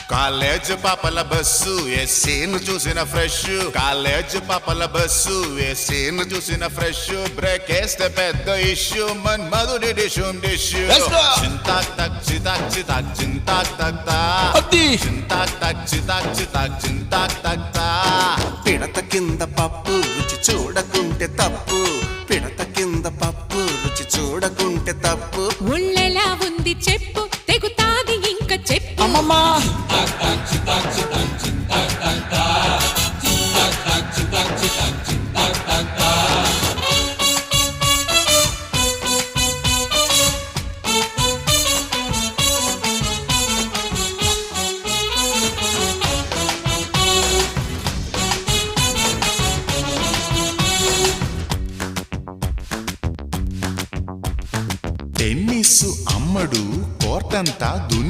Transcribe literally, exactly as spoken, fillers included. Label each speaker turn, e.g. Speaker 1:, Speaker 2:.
Speaker 1: college పాపల bus ఎస్సీను చూసిన ఫ్రెష్ కాలేజ్ పాపల బస్సు ఎస్సీను చూసిన ఫ్రెష్ బ్రేక్ వేస్తే పెద్ద ఇష్యూ మన్ మధుడి డిషుం డిష్యూ చింతాక్ తక్ చితాక్ చితాక్ చింతాక్ తక్ తా చింతాక్ తక్ చితాక్ చితాక్ చింతాక్ తక్ తా
Speaker 2: పిడత కింద పప్పు రుచి చూడకుంటే తప్పు పిడత కింద పప్పు రుచి చూడకుంటే తప్పు
Speaker 3: ఒళ్ళెలా ఉంది చెప్పు తెగుతాది ఇంకా చెప్పు
Speaker 2: అమ్మమ్మా
Speaker 1: టెన్నిస్ అమ్మడు కోర్టంతా